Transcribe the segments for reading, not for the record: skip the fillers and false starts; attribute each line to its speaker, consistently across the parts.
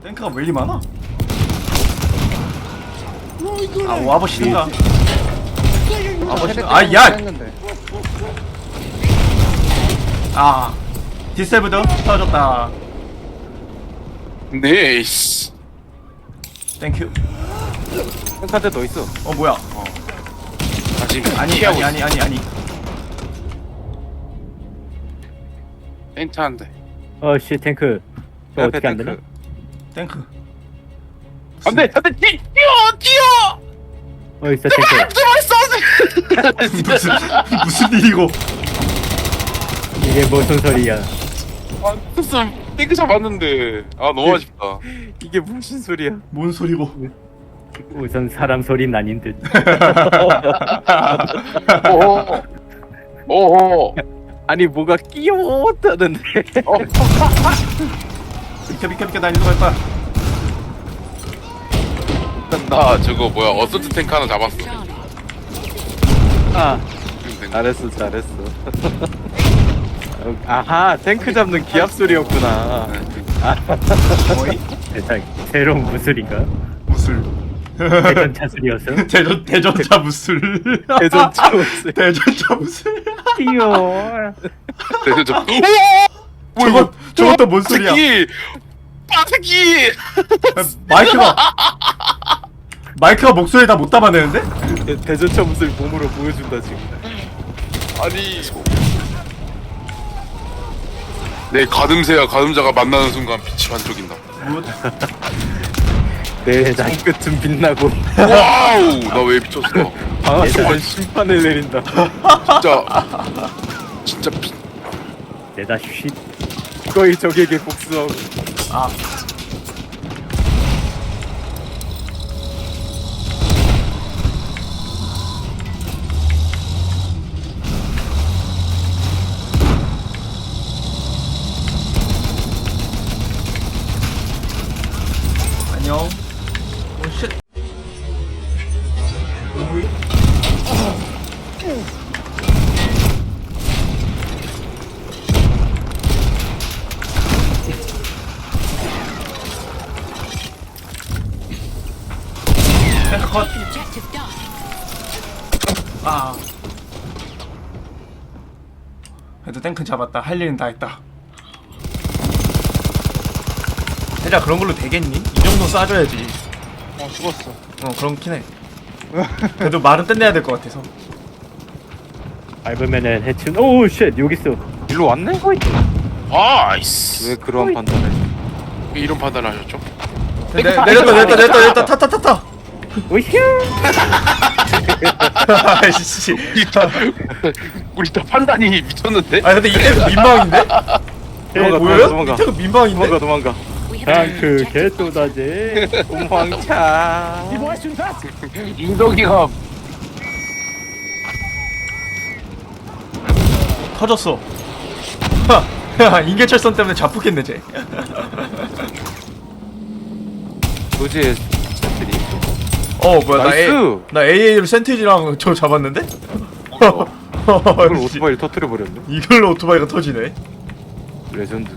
Speaker 1: 탱크가 왜 이리 많아? 아 와보시든가. 와보시든가. 아 야! 아 디세브드 떨어졌다.
Speaker 2: 네이스.
Speaker 1: 땡큐.
Speaker 3: 카드 더 있어.
Speaker 1: 어 뭐야?
Speaker 2: 다시
Speaker 1: 아니
Speaker 2: 피하고
Speaker 1: 아니 아니 아니 아니.
Speaker 2: 펜트 한 대.
Speaker 4: 어씨 탱크 저
Speaker 3: 옆에
Speaker 4: 어떻게 안
Speaker 3: 탱크.
Speaker 4: 되나?
Speaker 1: 탱크.
Speaker 2: 안돼 안돼 뛰어.
Speaker 4: 어딨어 탱크.
Speaker 1: 무슨 일이고?
Speaker 4: 이게 무슨 소리야?
Speaker 2: 아 무슨 탱크 잡았는데 아 너무 아쉽다.
Speaker 3: 이게 무슨 소리야?
Speaker 1: 뭔 소리고?
Speaker 4: 우선 사람 소리는 아닌 듯.
Speaker 2: 오호. 오호.
Speaker 3: 아니 뭐가 끼워다는데.
Speaker 1: 비켜 나 일로 갈 거야.
Speaker 2: 나 저거 뭐야 어서트 탱크 하나 잡았어.
Speaker 3: 아 잘했어 잘했어. 아하 탱크 잡는 기합 소리였구나.
Speaker 1: 뭐이?
Speaker 4: 세상 새로운 무술인가?
Speaker 1: 무술.
Speaker 4: 대전차 술이었어?
Speaker 1: 대전차 무술.
Speaker 3: 대전차 무술.
Speaker 1: 대전차 무술.
Speaker 4: 뛰어.
Speaker 2: 그래서 저
Speaker 1: 저것도 뭔 소리야?
Speaker 2: 새끼. 새끼.
Speaker 1: 마이크가 목소리 다 못 담아내는데?
Speaker 3: 대전차 무술 몸으로 보여준다 지금.
Speaker 2: 아니. 내 가늠새와 가늠자가 만나는 순간 빛이 반짝인다.
Speaker 3: 내 장끝은 빛나고
Speaker 2: 와우 나 왜 미쳤어.
Speaker 3: 방아쇠는 심판을 내린다.
Speaker 2: 진짜 빛.
Speaker 4: 내다 쉿.
Speaker 3: 거의 적에게 복수하고.
Speaker 1: 아 안녕. 오 쉣. 탱크 컷. 아. 그래도 탱크 잡았다. 할 일은 다 했다. 대자 그런 걸로 되겠니? 이 정도 쏴줘야지.
Speaker 2: 죽었어.
Speaker 1: 그렇긴 해. 그래도 말은 끝내야 될 것 같아서.
Speaker 4: 밟으면은 해친. 오우 쉣 여기 있어.
Speaker 3: 일로 왔네?
Speaker 2: 아이스.
Speaker 3: 왜 그런 판단을?
Speaker 2: 왜 이런 판단을 하셨죠?
Speaker 1: 내렸다 타타타타.
Speaker 4: 오휴.
Speaker 1: 아이씨.
Speaker 2: 우리 다 판단이 미쳤는데?
Speaker 1: 아 근데 이때 민망인데? 이거 보여요?
Speaker 3: 도망가.
Speaker 1: 이때가 민망인데?
Speaker 3: 도망가.
Speaker 4: 탱크 개또다지.
Speaker 3: 도망차.
Speaker 2: 인덕이가
Speaker 1: 터졌어. 야 인계철선 때문에 자폭했네 쟤.
Speaker 3: 도지의 스태들이.
Speaker 1: 뭐야
Speaker 3: 나이스.
Speaker 1: 나 AA로 센티지랑 저 잡았는데?
Speaker 3: 이걸 오토바이를 터뜨려 버렸네.
Speaker 1: 이걸로 오토바이가 터지네.
Speaker 3: 레전드.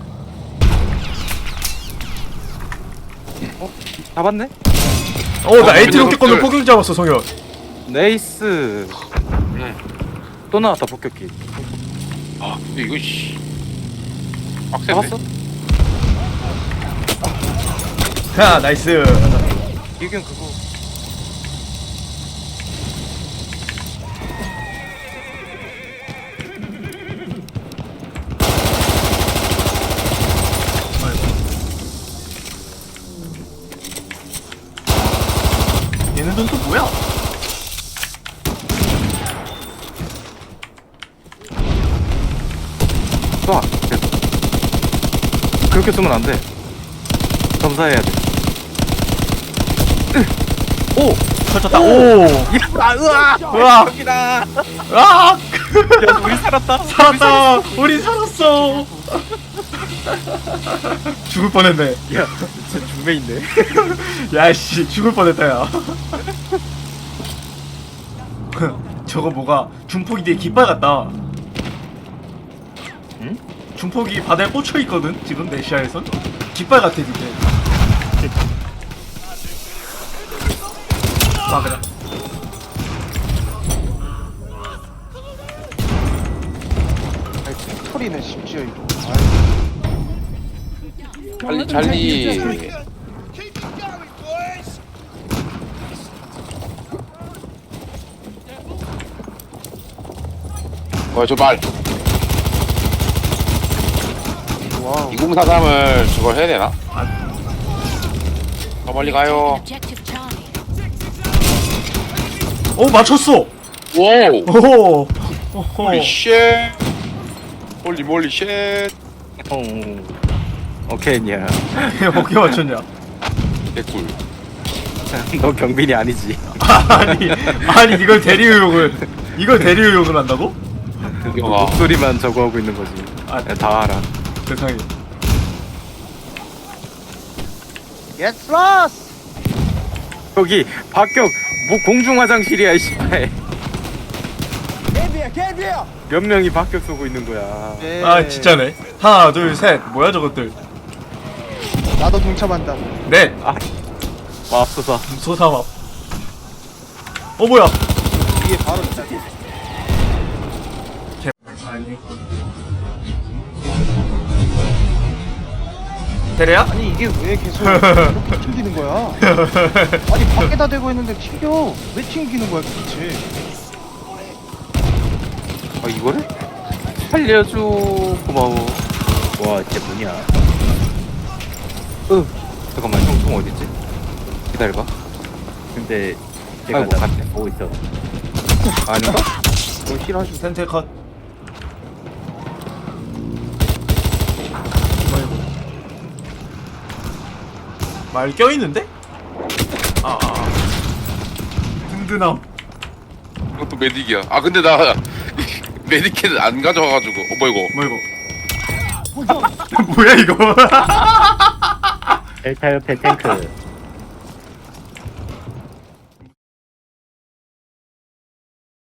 Speaker 3: 잡았네?
Speaker 1: 나 AT 로켓건을 포격 잡았어 성현.
Speaker 3: 네이스. 또 나왔다 폭격기.
Speaker 2: 아 근데 이거 씨 빡센데?
Speaker 3: 잡았어?
Speaker 1: 야 나이스.
Speaker 3: 이건 그거.
Speaker 1: 얘네들은 또 뭐야?
Speaker 3: 쏴. 그렇게 쏘면 안 돼. 점사해야 돼. 오!
Speaker 1: 터졌다. 오.
Speaker 3: 야, 으아!
Speaker 1: 으아.
Speaker 3: 여기다.
Speaker 1: 아!
Speaker 3: 야, 우리 살았다.
Speaker 1: 살았다. 우리 살았어. 죽을 뻔했네.
Speaker 3: 야, 진짜 중매인데.
Speaker 1: 야씨 죽을 뻔했다 야. 저거 뭐가 중폭이 뒤에 깃발 같다.
Speaker 4: 응?
Speaker 1: 중폭이 바다에 꽂혀 있거든 지금 내 시야에선. 깃발 같아 이게. 아 그냥.
Speaker 5: 털이네 심지어 이거.
Speaker 2: 찰리. 뭐야 저 말.
Speaker 5: 와우.
Speaker 2: 2043을 저걸 해야 되나? 더 멀리 가요.
Speaker 6: Objective Charlie.
Speaker 1: 오 맞췄어.
Speaker 2: 와우.
Speaker 1: 오호. 오호.
Speaker 2: 홀리 쉣. 홀리 몰리 쉣.
Speaker 3: 오케이냐.
Speaker 1: 어떻게 맞췄냐?
Speaker 2: 개꿀.
Speaker 3: 너 경빈이 아니지.
Speaker 1: 아니 이걸 대리의혹을 한다고?
Speaker 2: 구경아.
Speaker 3: 목소리만 저거 하고 있는 거지.
Speaker 1: 아.
Speaker 3: 다 알아.
Speaker 1: 세상에.
Speaker 5: Get lost.
Speaker 3: 여기 박격 뭐 공중 화장실이야 이 씨발. 몇 명이 박격 쏘고 있는 거야.
Speaker 5: 네.
Speaker 1: 아 진짜네. 하나 둘 셋. 뭐야 저것들.
Speaker 5: 나도 동참한다.
Speaker 1: 넷.
Speaker 3: 맙소사.
Speaker 1: 소삼합. 뭐야?
Speaker 5: 이게 바로 진짜.
Speaker 1: 대래야?
Speaker 5: 아니 이게 왜 계속 이렇게 튕기는 거야? 아니 밖에다 대고 있는데 튕겨. 왜 튕기는 거야 도대체?
Speaker 3: 아 이거를? 살려줘. 고마워.
Speaker 4: 와 진짜 뭐냐.
Speaker 3: 잠깐만 형통 어딨지? 기다려봐.
Speaker 4: 근데 제가
Speaker 3: 아이고,
Speaker 4: 나
Speaker 3: 갔네.
Speaker 4: 보고 있어.
Speaker 3: 아닌가?
Speaker 1: 힐하시 센터 컷. 말 껴있는데? 든든함.
Speaker 2: 이것도 메딕이야. 아 근데 나 메디킷 안 가져와가지고. 뭐야 이거?
Speaker 1: 뭐 이거? 뭐야 이거?
Speaker 4: 델타 옆에 탱크.